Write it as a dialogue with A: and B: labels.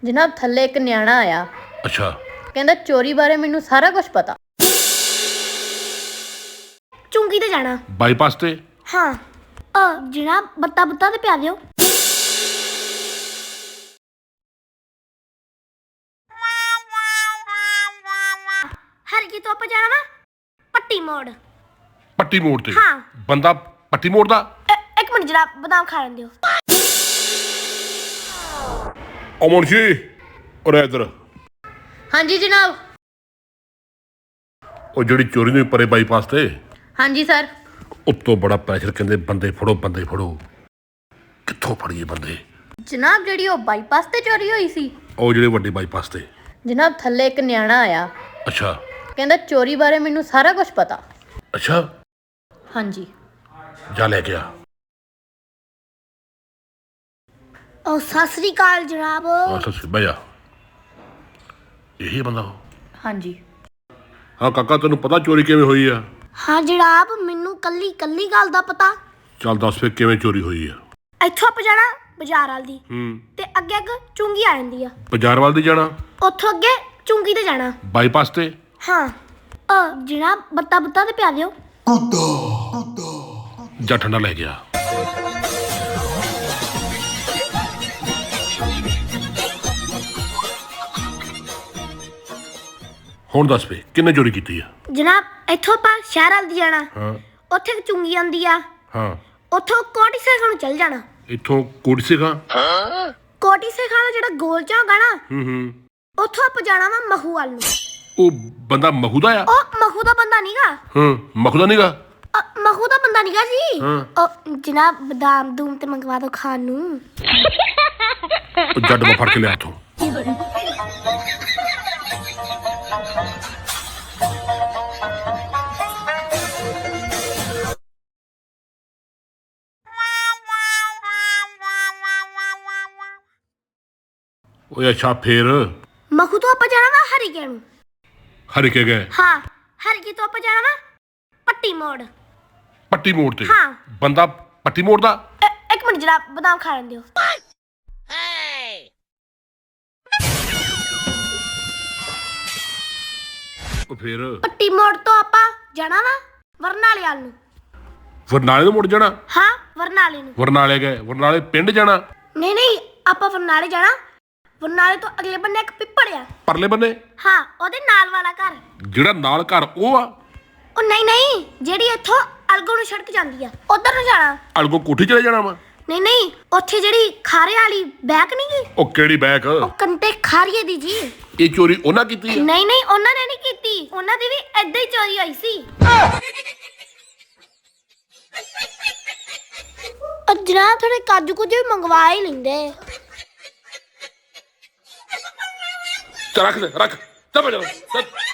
A: ਜਨਾਬ ਥੱਲੇ ਇੱਕ ਨਿਆਣਾ ਆਇਆ।
B: ਅੱਛਾ।
A: ਕਹਿੰਦਾ ਚੋਰੀ ਬਾਰੇ ਮੈਨੂੰ ਸਾਰਾ ਕੁਝ ਪਤਾ।
C: ਚੁੰਗੀ ਤੇ ਜਾਣਾ।
B: ਬਾਈਪਾਸ ਤੇ?
C: ਹਾਂ ਜਨਾਬ ਬੱਤਾ ਬੁੱਤਾ ਤੇ ਪਿਆ ਦਿਓ। ਹਰ ਕੀ ਤੋਂ ਆਪਾਂ ਜਾਣਾ ਵਾ ਪੱਟੀ ਮੋੜ।
B: ਪੱਟੀ ਮੋੜ ਤੇ?
C: ਹਾਂ।
B: ਬੰਦਾ ਪੱਟੀ ਮੋੜ ਦਾ?
C: ਇੱਕ ਮਿੰਟ ਜਨਾਬ ਬਦਾਮ ਖਾ ਲੈਣ ਦਿਓ।
B: ਓ ਮੁਨਸ਼ੀ ਉਰੇ ਇੱਧਰ।
A: ਹਾਂਜੀ ਜਨਾਬ।
B: ਉਹ ਜਿਹੜੀ ਚੋਰੀ ਨੂੰ ਪਰੇ ਬਾਈਪਾਸ ਤੇ
A: ਹਾਂਜੀ ਸਰ।
B: ਉੱਤੋਂ ਬੜਾ ਪ੍ਰੈਸ਼ਰ, ਕਹਿੰਦੇ ਬੰਦੇ ਫੜੋ ਬੰਦੇ ਫੜੋ। ਕਿੱਥੋਂ ਫੜੀਏ ਬੰਦੇ?
A: ਜਨਾਬ ਜਿਹੜੀ ਉਹ ਬਾਈਪਾਸ ਤੇ ਚੋਰੀ ਹੋਈ ਸੀ।
B: ਉਹ ਜਿਹੜੇ ਵੱਡੇ ਬਾਈਪਾਸ ਤੇ?
A: ਜਨਾਬ ਥੱਲੇ ਇੱਕ ਨਿਆਣਾ ਆਇਆ।
B: ਅੱਛਾ।
A: ਕਹਿੰਦਾ ਚੋਰੀ ਬਾਰੇ ਮੈਨੂੰ ਸਾਰਾ ਕੁਝ ਪਤਾ।
B: ਅੱਛਾ।
A: ਹਾਂਜੀ।
B: ਜਾ ਲੈ ਕੇ ਆ।
C: ਓ ਸਤਿ ਸ੍ਰੀ ਅਕਾਲ ਜਨਾਬ।
B: ਸੱਚੀ ਬਹਿ ਜਾ। ਇਹੀ ਬੰਦਾ ਉਹ?
A: ਹਾਂਜੀ।
B: ਹਾਂ ਕਾਕਾ, ਤੈਨੂੰ ਪਤਾ ਚੋਰੀ ਕਿਵੇਂ ਹੋਈ ਆ?
C: ਹਾਂ ਜਨਾਬ ਮੈਨੂੰ ਕੱਲੀ ਗੱਲ ਦਾ ਪਤਾ।
B: ਚੱਲ ਦੱਸ ਫਿਰ ਕਿਵੇਂ ਚੋਰੀ ਹੋਈ ਆ?
C: ਇੱਥੋਂ ਆਪਾਂ ਜਾਣਾ ਬਾਜ਼ਾਰ ਵਾਲ ਦੀ
B: ਤੇ
C: ਅੱਗੇ ਚੁੰਗੀ ਆ ਜਾਂਦੀ ਆ।
B: ਬਾਜ਼ਾਰ ਵੱਲ ਦੀ ਜਾਣਾ?
C: ਉੱਥੋਂ ਅੱਗੇ ਚੁੰਗੀ ਤੇ ਜਾਣਾ।
B: ਬਾਈਪਾਸ ਤੇ?
C: ਹਾਂ ਜਨਾਬ ਬੱਤਾ ਬੁੱਤਾ ਤੇ ਪਿਆ ਦਿਓ।
B: ਜਾ ਠੰਡਾ ਲੈ ਗਿਆ। ਹੁਣ ਦੱਸ ਵੇ ਕਿੰਨੇ ਚੋਰੀ ਕੀਤੀ ਆ?
C: ਜਨਾਬ ਇੱਥੋਂ ਆਪਾਂ ਸ਼ਹਿਰ ਵੱਲ ਦੀ ਜਾਣਾ।
B: ਹਾਂ।
C: ਉੱਥੇ ਇੱਕ ਚੁੰਗੀ ਆਉਂਦੀ ਆ।
B: ਹਾਂ।
C: ਉੱਥੋਂ ਕੋਟੀ ਸੇਖਾਂ ਨੂੰ ਚੱਲ ਜਾਣਾ।
B: ਇੱਥੋਂ ਕੋਟੀ ਖਾਂ?
C: ਕੋਟੀ ਸੇਖਾਂ ਦਾ ਜਿਹੜਾ ਗੋਲ ਝਾਂਗਾ ਨਾ, ਉੱਥੋਂ ਆਪਾਂ ਜਾਣਾ ਵਾ ਮਹੂ ਵੱਲ ਨੂੰ।
B: ਉਹ ਬੰਦਾ ਮਹੂ ਦਾ ਆ?
C: ਉਹ ਮਹੂ ਦਾ ਬੰਦਾ ਨੀਗਾ।
B: ਮਹੂ ਦਾ ਨੀਗਾ?
C: ਮਹੂ ਦਾ ਬੰਦਾ ਨੀਗਾ ਜੀ। ਉਹ ਜਨਾਬ ਬਦਾਮ ਦੂਮ ਤੇ ਮੰਗਵਾ ਦੋ ਖਾਣ ਨੂੰ।
B: ਉਹ ਜੱਟ ਮੈਂ ਫੜ ਕੇ ਲਿਆ ਇੱਥੋਂ। ਓਏ ਅੱਛਾ ਫੇਰ?
C: ਮਹੂ ਤੋਂ ਆਪਾਂ ਜਾਣਾ ਵਾ ਹਰੀਕੇ ਨੂੰ।
B: ਹਰੀਕੇ ਗਏ?
C: ਹਾਂ ਹਰੀਕੇ ਤੋਂ ਆਪਾਂ ਜਾਣਾ ਵਾ ਪੱਟੀ ਮੋੜ।
B: ਪੱਟੀ ਮੋੜ ਤੇ?
C: ਹਾਂ।
B: ਬੰਦਾ ਪੱਟੀ ਮੋੜ ਦਾ?
C: ਇੱਕ ਮਿੰਟ ਜਨਾਬ ਬਦਾਮ ਖਾ ਲੈਣ ਦਿਓ।
B: ਉਹ ਫੇਰ?
C: ਪੱਟੀ ਮੋੜ ਤੋਂ ਆਪਾਂ ਜਾਣਾ ਵਾ ਵਰਨਾਲੇ ਵੱਲ ਨੂੰ।
B: ਵਰਨਾਲੇ ਨੂੰ ਮੁੜ ਜਾਣਾ?
C: ਹਾਂ ਵਰਨਾਲੇ ਨੂੰ।
B: ਵਰਨਾਲੇ ਗਏ? ਵਰਨਾਲੇ ਪਿੰਡ ਜਾਣਾ?
C: ਨਹੀਂ ਆਪਾਂ ਵਰਨਾਲੇ ਜਾਣਾ। ਵਰਨਾਲੇ ਤੋਂ ਅਗਲੇ ਬੰਨੇ ਇੱਕ ਪਿੱਪੜ ਆ।
B: ਪਰਲੇ ਬੰਨੇ?
C: ਹਾਂ ਉਹਦੇ ਨਾਲ ਵਾਲਾ ਘਰ।
B: ਜਿਹੜਾ ਨਾਲ ਘਰ ਉਹ ਆ?
C: ਉਹ ਨਹੀਂ ਜਿਹੜੀ ਇੱਥੋਂ ਅਲਗੋ ਨੂੰ ਸੜਕ ਜਾਂਦੀ ਆ ਉਧਰ ਨੂੰ ਜਾਣਾ।
B: ਅਲਗੋ ਕੋਠੀ ਚਲੇ ਜਾਣਾ ਵਾ?
C: ਨਹੀਂ ਉੱਥੇ ਜਿਹੜੀ ਖਾਰੇ ਵਾਲੀ ਬੈਕ ਨਹੀਂ ਗਈ।
B: ਉਹ ਕਿਹੜੀ ਬੈਕ?
C: ਉਹ ਕੰਟੇ ਖਾਰੀਏ ਦੀ ਜੀ।
B: ਇਹ ਚੋਰੀ ਉਹਨਾਂ ਕੀਤੀ ਆ?
C: ਨਹੀਂ ਉਹਨਾਂ ਨੇ ਨਹੀਂ ਕੀਤੀ। ਉਹਨਾਂ ਦੀ ਵੀ ਏਦਾਂ ਹੀ ਚੋਰੀ ਹੋਈ ਸੀ। ਜਨਾਬ ਥੋੜੇ ਕਾਜੂ ਕੁਝ ਵੀ ਮੰਗਵਾ ਹੀ ਲੈਂਦੇ।
B: ਚੱਲ ਰੱਖ ਚੱਲ